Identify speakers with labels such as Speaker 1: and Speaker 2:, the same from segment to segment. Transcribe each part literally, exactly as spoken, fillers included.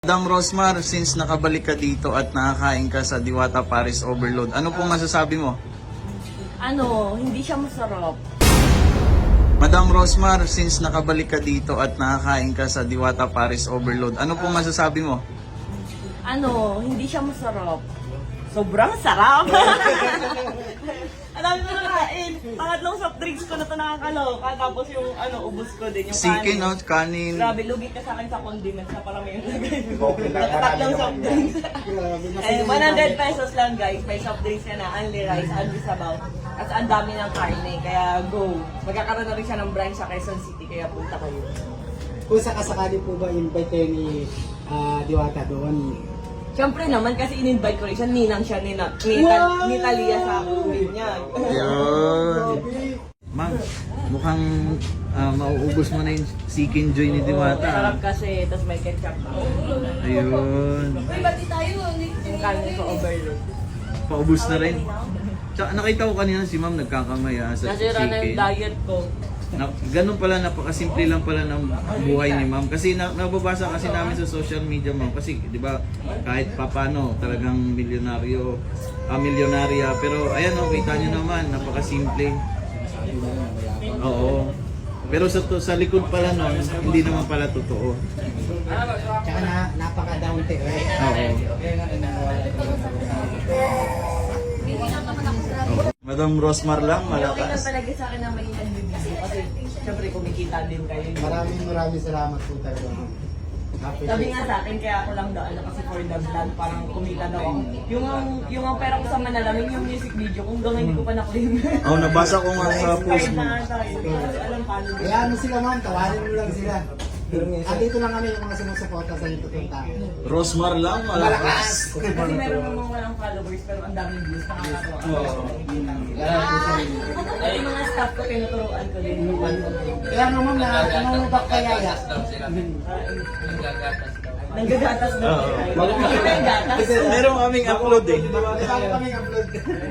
Speaker 1: Madam Rosmar, since nakabalik ka dito at nakakain ka sa Diwata Paris Overload, ano pong masasabi mo?
Speaker 2: Ano, hindi siya masarap.
Speaker 1: Madam Rosmar, since nakabalik ka dito at nakakain ka sa Diwata Paris Overload, ano pong masasabi mo?
Speaker 2: Ano, hindi siya masarap. Sobrang sarap. Ang dami ko nakain. Pangatlong soft drinks ko na ito nakakaloka. Tapos yung ano, ubus ko din. Yung
Speaker 1: Sikin,
Speaker 2: kanin.
Speaker 1: no? Kanin.
Speaker 2: Grabe, lugi ka sa akin sa condiments na parang may tatlong soft drinks. Eh, one hundred pesos lang guys. May soft drinks ka na, only rice, only sabaw. At ang dami ng karne, kaya go. Magkakaroon na rin siya ng branch sa Quezon City, kaya punta kayo.
Speaker 3: Kung sakasakali po ba invite kayo ni ah, Diwata doon?
Speaker 2: Siyempre naman kasi in-invite ko rin siya, ninang siya ni, na, ni,
Speaker 3: Wow!
Speaker 2: ni Talia sa uwi niya.
Speaker 1: Ayun. Ma'am, mukhang ah, mauubos mo na yung Sikin Joy ni Diwata.
Speaker 2: Sarap kasi, tapos may ketchup.
Speaker 1: Ayun.
Speaker 4: Uy, bati tayo.
Speaker 2: Yung kanin ko overload.
Speaker 1: Paubos na rin. Tsaka nakita ko kanina si ma'am nagkakamay ah, sa
Speaker 2: Nasira na yung
Speaker 1: Sikin.
Speaker 2: diet ko.
Speaker 1: Na, ganun pala, napakasimple lang pala ng buhay ni ma'am. Kasi na, nababasa kasi namin sa social media ma'am. Kasi di ba kahit papano talagang milyonaryo, ah, milyonarya. Pero ayan o, kita nyo naman, napakasimple. Oo. Pero sa, to, sa likod pala nun, hindi naman pala totoo.
Speaker 3: Tsaka na, napaka-down to earth.
Speaker 1: Oo. Madam Rosmar lang,
Speaker 2: Okay lang
Speaker 1: malakas.
Speaker 2: talaga sa akin na may nagbibigay kasi syempre kumikita din kayo.
Speaker 3: Maraming maraming salamat po talaga. Happy
Speaker 2: Sabi nga sa akin, kaya ako lang daan kasi for the vlog, parang kumita daw ako. Yung ang, yung ang pera ko sa Manalamin, yung music video, kung hanggang hindi ko pa na-claim.
Speaker 1: Oh, nabasa ko nga sa post mo.
Speaker 2: Na tayo, hindi ko alam paano.
Speaker 3: Kaya ano sila ma'am, tawarin mo lang sila. At dito lang kami yung mga sumusuporta sa inyo pupunta.
Speaker 1: Rosmar lang, malakas.
Speaker 2: Kasi meron namang walang followers pero ang daming views, nakakatawa.
Speaker 1: Oo.
Speaker 2: At yung mga staff ko, tinuturuan ko din.
Speaker 3: Kaya ano ma'am, na namumubak kaya ya.
Speaker 2: Nanggagatas daw.
Speaker 1: Oo.
Speaker 2: Hindi ba yung gatas?
Speaker 1: Meron kaming upload eh.
Speaker 3: Bago kami upload.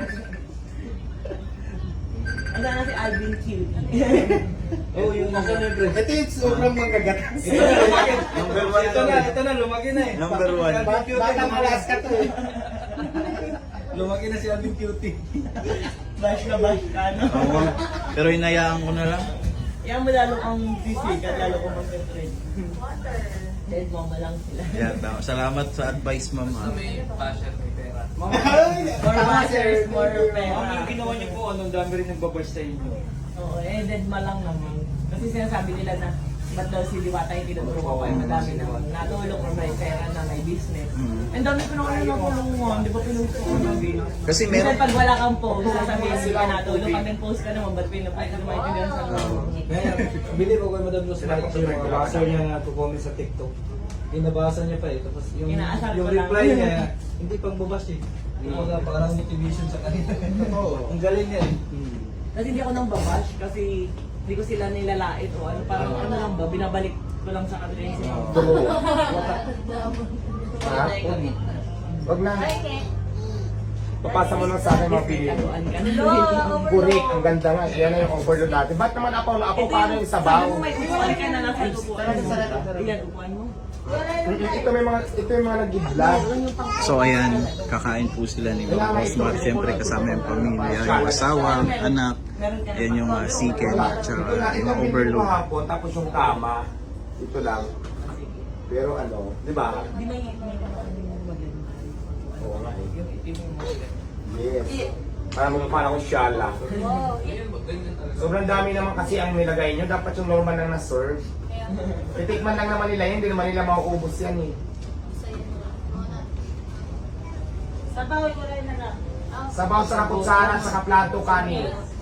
Speaker 2: Ang sana si Alvin Q.
Speaker 5: Oh, yung nasa libre.
Speaker 3: Ito yung sobrang manggagatas.
Speaker 1: Number one
Speaker 5: Ito na,
Speaker 1: lang.
Speaker 5: ito na, lumaki na eh.
Speaker 1: Number one.
Speaker 3: Batang Alaska to eh.
Speaker 5: Lumaki na si Alvin Cutie.
Speaker 2: Bash na bash ka, no?
Speaker 1: Oo. Pero hinayaan ko na lang.
Speaker 2: Yan mo lalo kang busy at lalo kang mag-trade. Dahil mama lang sila.
Speaker 1: Yeah, tama. Salamat sa advice, ma'am. ah.
Speaker 2: More watchers, more pera.
Speaker 5: Ang yung ginawa niyo po, anong dami rin nagbabash sa inyo.
Speaker 2: Oo, eh, dead ma lang naman. Kasi sinasabi nila na ba't daw si Diwata yung tinuturo ko ay madami na natulong or may pera na may business.
Speaker 1: Mm.
Speaker 2: Ang dami ko na kayo natulungan, di ba pinusto ko na bilang?
Speaker 1: Kasi
Speaker 2: Minsan
Speaker 1: meron...
Speaker 2: pag wala kang post, sasabihin hindi ka natulong. Pag nag-post ka naman, ba't pinupost? Ay, hindi maintindihan sa mga.
Speaker 5: Kaya, believe ako kay Madam Rose, bakit yung mga baser niya na comment sa TikTok. Inabasa niya pa eh. Tapos yung,
Speaker 2: Inaasar
Speaker 5: yung
Speaker 2: ko lang.
Speaker 5: reply niya, hindi pang babash eh. Kumbaga parang motivation sa kanila. Ang galing niya eh.
Speaker 2: Kasi hindi ako nang babash kasi hindi ko sila nilalait o ano, parang ano lang ba, binabalik ko lang sa kanila yung sinabi.
Speaker 3: Wag na. Papasa mo lang sa akin mga video.
Speaker 2: Taguan ka na.
Speaker 3: Kurik, ang ganda nga. Yan na yung overload natin. Ba't naman ako na ako paano yung sabaw?
Speaker 2: Sabi mo may upuan ka na nasa upuan mo. Iyan, upuan mo.
Speaker 3: Ito may mga ito yung mga nag-vlog.
Speaker 1: So ayan, kakain po sila ni Ma'am Rosmar. Siyempre kasama yung pamilya, yung asawa, anak. Ayan yung uh, Sikin at
Speaker 3: Ito
Speaker 1: saka
Speaker 3: na, ito
Speaker 1: yung
Speaker 3: yung
Speaker 1: overload.
Speaker 3: hapon, tapos yung kama. Ito lang. Pero ano, di ba?
Speaker 2: Di may may maganda.
Speaker 3: Oo nga eh.
Speaker 2: Yung itim yung maganda.
Speaker 3: Yes. Para magpapala akong shala. Sobrang dami naman kasi ang nilagay nyo. Dapat yung normal lang na-serve. Titikman lang naman nila yun. Hindi naman nila mauubos yan eh.
Speaker 2: Sabaw ko rin na lang.
Speaker 3: Sabaw sa kaputsara, sa kaplato, kanin.